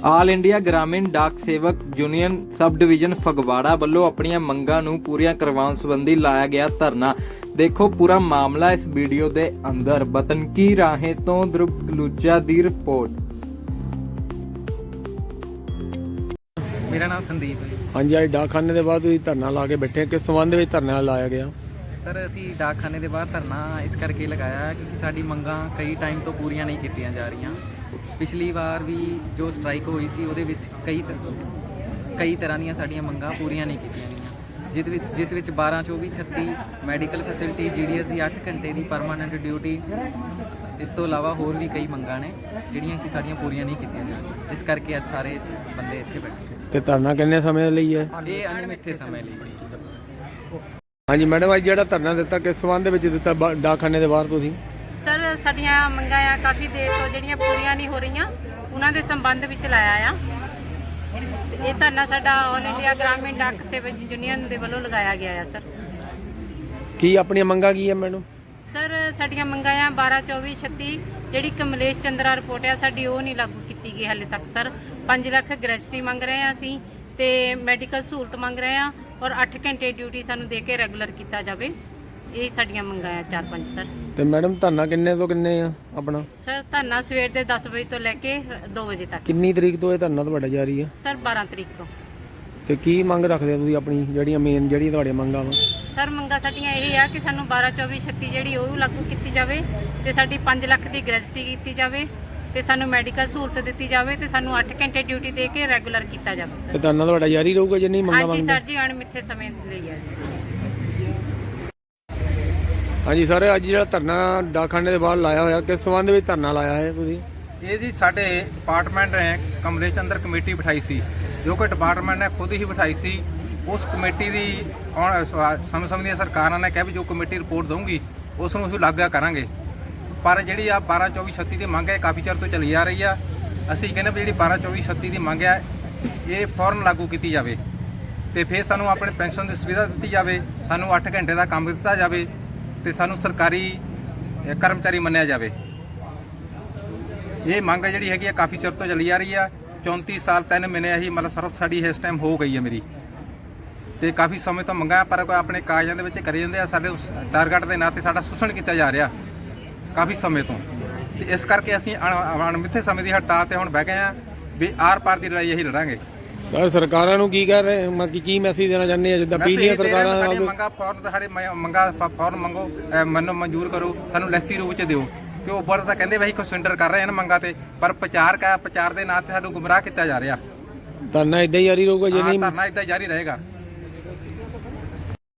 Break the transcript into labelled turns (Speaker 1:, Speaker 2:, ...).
Speaker 1: All India ਗ੍ਰਾਮੀਣ ਡਾਕ ਸੇਵਕ union sub division Phagwara ਵੱਲੋਂ ਆਪਣੀਆਂ ਮੰਗਾਂ ਨੂੰ ਪੂਰੀਆਂ ਕਰਵਾਉਣ ਸੰਬੰਧੀ ਲਾਇਆ ਗਿਆ ਧਰਨਾ। ਦੇਖੋ ਪੂਰਾ ਮਾਮਲਾ ਇਸ ਵੀਡੀਓ ਦੇ ਅੰਦਰ। ਬਤਨਕੀ ਰਾਹੇ ਤੋਂ ਧਰੁਵ ਕਲੂਚਾ ਦੀ ਰਿਪੋर्ट।
Speaker 2: मेरा नाम संदीप है।
Speaker 3: हाँ जी, आज डाकखाने के बाद धरना ला के बैठे, किस संबंध में धरना लाया गया?
Speaker 2: सर असी डाकखाने के बाहर धरना इस करके लगाया क्योंकि साडी मंगां कई टाइम तो पूरियां नहीं कीतियां जा रही। पिछली बार भी जो स्ट्राइक हुई सी उहदे विच कई तरह ਦੀਆਂ ਸਾਡੀਆਂ ਮੰਗਾਂ ਪੂਰੀਆਂ ਨਹੀਂ ਕੀਤੀਆਂ ਗਈਆਂ, ਜਿਸ ਵਿੱਚ 12 24 36 ਮੈਡੀਕਲ ਫੈਸਿਲਿਟੀ, GDS ਦੀ 8 ਘੰਟੇ ਦੀ ਪਰਮਾਨੈਂਟ ਡਿਊਟੀ, ਇਸ ਤੋਂ ਇਲਾਵਾ ਹੋਰ ਵੀ ਕਈ ਮੰਗਾਂ ਨੇ ਜਿਹੜੀਆਂ ਕਿ ਸਾਡੀਆਂ ਪੂਰੀਆਂ ਨਹੀਂ ਕੀਤੀਆਂ ਜਾ ਰਹੀਆਂ, ਜਿਸ ਕਰਕੇ ਅੱਜ ਸਾਰੇ ਬੰਦੇ ਇੱਥੇ ਬੈਠੇ।
Speaker 3: ਤੇ ਧਰਨਾ ਕਿੰਨੇ ਸਮੇਂ ਲਈ ਹੈ?
Speaker 2: ਇਹ ਅਨਿਮਿਤ ਸਮੇਂ ਲਈ।
Speaker 3: ਹਾਂਜੀ ਮੈਡਮ, ਅੱਜ ਜਿਹੜਾ ਧਰਨਾ ਦਿੱਤਾ ਕਿਸ ਸੰਬੰਧ ਦੇ ਵਿੱਚ ਦਿੱਤਾ ਡਾਕਖਾਨੇ ਦੇ ਬਾਹਰ ਤੁਸੀਂ?
Speaker 4: ਸਰ ਸਾਡੀਆਂ ਮੰਗਾਂ ਆ ਕਾਫੀ ਦੇਰ ਤੋਂ ਜਿਹੜੀਆਂ ਪੂਰੀਆਂ ਨਹੀਂ ਹੋ ਰਹੀਆਂ, ਉਹਨਾਂ ਦੇ ਸੰਬੰਧ ਵਿੱਚ ਲਾਇਆ ਆ। ਇਹ ਧਰਨਾ ਸਾਡਾ ਆਲ ਇੰਡੀਆ ਗ੍ਰਾਮੀਣ ਡਾਕ ਸੇਵਕ ਯੂਨੀਅਨ ਦੇ ਵੱਲੋਂ ਲਗਾਇਆ ਗਿਆ ਆ। ਸਰ
Speaker 3: ਕੀ ਆਪਣੀਆਂ ਮੰਗਾਂ ਕੀ ਹੈ ਮੈਡਮ?
Speaker 4: ਸਰ ਸਾਡੀਆਂ ਮੰਗਾਂ ਆ 12 24 36 ਜਿਹੜੀ ਕਮਲੇਸ਼ ਚੰਦਰਾ ਰਿਪੋਰਟ ਆ ਸਾਡੀ, ਉਹ ਨਹੀਂ ਲਾਗੂ ਕੀਤੀ ਗਈ ਹਾਲੇ ਤੱਕ। ਸਰ 5 ਲੱਖ ਗ੍ਰੈਜੂਟੀ ਮੰਗ ਰਹੇ ਆ ਅਸੀਂ, ਤੇ ਮੈਡੀਕਲ ਸਹੂਲਤ ਮੰਗ ਰਹੇ ਆ, ਔਰ 8 ਘੰਟੇ ਡਿਊਟੀ ਸਾਨੂੰ ਦੇ ਕੇ ਰੈਗੂਲਰ ਕੀਤਾ ਜਾਵੇ। ਇਹ ਸਾਡੀਆਂ ਮੰਗਾਂ ਆ 4-5 ਸਰ।
Speaker 3: ਤੇ ਮੈਡਮ ਧਰਨਾ ਕਿੰਨੇ ਤੋਂ ਕਿੰਨੇ ਆ ਆਪਣਾ?
Speaker 4: ਸਰ ਧਰਨਾ ਸਵੇਰ ਦੇ 10 ਵਜੇ ਤੋਂ ਲੈ ਕੇ 2 ਵਜੇ ਤੱਕ।
Speaker 3: ਕਿੰਨੀ ਤਰੀਕ ਤੋਂ ਇਹ ਧਰਨਾ ਤੁਹਾਡਾ ਜਾਰੀ ਹੈ?
Speaker 4: ਸਰ 12 ਤਰੀਕ ਤੋਂ।
Speaker 3: ਤੇ ਕੀ ਮੰਗ ਰੱਖਦੇ ਹੋ ਤੁਸੀਂ ਆਪਣੀ, ਜਿਹੜੀਆਂ ਮੇਨ ਜਿਹੜੀਆਂ ਤੁਹਾਡੀਆਂ ਮੰਗਾਂ ਵਾ?
Speaker 4: ਸਰ ਮੰਗਾਂ ਸਾਡੀਆਂ ਇਹ ਆ ਕਿ ਸਾਨੂੰ 12 24 36 ਜਿਹੜੀ ਉਹ ਲਾਗੂ ਕੀਤੀ ਜਾਵੇ, ਤੇ ਸਾਡੀ 5 ਲੱਖ ਦੀ ਗ੍ਰੈਜੂਟੀ ਕੀਤੀ ਜਾਵੇ, ਤੇ ਸਾਨੂੰ ਮੈਡੀਕਲ ਸਹੂਲਤ ਦਿੱਤੀ ਜਾਵੇ, ਤੇ ਸਾਨੂੰ 8 ਘੰਟੇ ਡਿਊਟੀ ਦੇ ਕੇ ਰੈਗੂਲਰ ਕੀਤਾ ਜਾਵੇ।
Speaker 3: ਤੇ ਧਰਨਾ ਤੁਹਾਡਾ ਜਾਰੀ ਰਹੂਗਾ ਜੇ ਨਹੀਂ ਮੰਗਾਂ
Speaker 4: ਹਾਂਜੀ
Speaker 3: ਮੰਗਦੇ?
Speaker 4: ਸਰ ਜੀ, ਅਣਮਿੱਥੇ ਸਮੇਂ ਲਈ ਹੈ।
Speaker 3: ਹਾਂਜੀ ਸਰ, ਅੱਜ ਜਿਹੜਾ ਧਰਨਾ ਡਾਕਖਾਨੇ ਦੇ ਬਾਹਰ ਲਾਇਆ ਹੋਇਆ, ਕਿਸ ਸੰਬੰਧ ਵਿੱਚ ਧਰਨਾ ਲਾਇਆ ਹੈ ਤੁਸੀਂ?
Speaker 5: ਇਹ ਜੀ ਸਾਡੇ ਡਿਪਾਰਟਮੈਂਟ ਨੇ ਕਮਲੇਸ਼ ਅੰਦਰ ਕਮੇਟੀ ਬਿਠਾਈ ਸੀ, ਜੋ ਕਿ ਡਿਪਾਰਟਮੈਂਟ ਨੇ ਖੁਦ ਹੀ ਬਿਠਾਈ ਸੀ। ਉਸ ਕਮੇਟੀ ਦੀ ਸਮੇਂ ਦੀਆਂ ਸਰਕਾਰਾਂ ਨੇ ਕਿਹਾ ਵੀ ਜੋ ਕਮੇਟੀ ਰਿਪੋਰਟ ਦਊਗੀ ਉਸ ਨੂੰ ਅਸੀਂ ਲਾਗੂ ਕਰਾਂਗੇ। ਪਰ ਜਿਹੜੀ ਆ 12 24 36 ਦੀ ਮੰਗ ਹੈ ਕਾਫੀ ਚਿਰ ਤੋਂ ਚੱਲੀ ਆ ਰਹੀ ਆ। ਅਸੀਂ ਕਹਿੰਦੇ ਵੀ ਜਿਹੜੀ 12 24 36 ਦੀ ਮੰਗ ਹੈ ਇਹ ਫੌਰਨ ਲਾਗੂ ਕੀਤੀ ਜਾਵੇ, ਤੇ ਫਿਰ ਸਾਨੂੰ ਆਪਣੇ ਪੈਨਸ਼ਨ ਦੀ ਸੁਵਿਧਾ ਦਿੱਤੀ ਜਾਵੇ, ਸਾਨੂੰ 8 ਘੰਟੇ ਦਾ ਕੰਮ ਦਿੱਤਾ ਜਾਵੇ, ਤੇ ਸਾਨੂੰ ਸਰਕਾਰੀ ਕਰਮਚਾਰੀ ਮੰਨਿਆ ਜਾਵੇ। ਇਹ ਮੰਗ ਜਿਹੜੀ ਹੈਗੀ ਆ ਕਾਫੀ ਚਿਰ ਤੋਂ ਚੱਲੀ ਆ ਰਹੀ ਆ। 34 ਸਾਲ 3 ਮਹੀਨੇ ਅਸੀਂ ਮਤਲਬ ਸਰਵ ਸਾਡੀ ਇਸ ਟਾਈਮ ਹੋ ਗਈ ਹੈ ਮੇਰੀ, ਤੇ ਕਾਫੀ ਸਮੇਂ ਤੋਂ ਮੰਗਾਂ ਪਰ ਕੋਈ ਆਪਣੇ ਕਾਗਜ਼ਾਂ ਦੇ ਵਿੱਚ ਕਰੀ ਜਾਂਦੇ ਆ। ਸਾਡੇ ਉਸ ਟਾਰਗੇਟ ਦੇ ਨਾਂ ਤੇ ਸਾਡਾ ਸ਼ੋਸ਼ਣ ਕੀਤਾ ਜਾ ਰਿਹਾ ਕਾਫੀ ਸਮੇਂ ਤੋਂ, ਤੇ ਇਸ ਕਰਕੇ ਅਸੀਂ ਅਣਮਿੱਥੇ ਸਮੇਂ ਦੀ ਹੜਤਾਲ ਤੇ ਹੁਣ ਬਹਿ ਗਏ ਆ ਵੀ ਆਰ ਪਾਰ ਦੀ ਲੜਾਈ ਅਸੀਂ ਲੜਾਂਗੇ।
Speaker 3: ਸਰ ਸਰਕਾਰਾਂ ਨੂੰ ਕੀ ਕਹਿ ਰਹੇ, ਕੀ ਮੈਸੇਜ ਦੇਣਾ ਚਾਹੁੰਦੇ ਆ? ਜਿੱਦਾਂ ਪਿਛਲੀਆਂ ਸਰਕਾਰਾਂ
Speaker 5: ਸਾਡੀਆਂ ਮੰਗਾਂ ਫੌਰਨ, ਸਾਡੇ ਮੰਗਾਂ ਫੌਰਨ ਮੰਗੋ, ਮੈਨੂੰ ਮਨਜ਼ੂਰ ਕਰੋ, ਸਾਨੂੰ ਲਿਖਤੀ ਰੂਪ 'ਚ ਦਿਓ। ਕਿ ਉਹ ਉੱਪਰ ਤਾਂ ਕਹਿੰਦੇ ਵੀ ਅਸੀਂ ਕੰਸਿਡਰ ਕਰ ਰਹੇ ਹਾਂ ਮੰਗਾਂ ਤੇ, ਪਰ ਪ੍ਰਚਾਰ ਦੇ ਨਾਂ ਤੇ ਸਾਨੂੰ ਗੁੰਮਰਾਹ ਕੀਤਾ ਜਾ ਰਿਹਾ।
Speaker 3: ਧਰਨਾ ਇਦਾਂ ਹੀ ਜਾਰੀ ਰਹੂਗਾ ਜੇ ਨਹੀਂ?
Speaker 5: ਧਰਨਾ ਇਦਾਂ ਜਾਰੀ ਰਹੇਗਾ।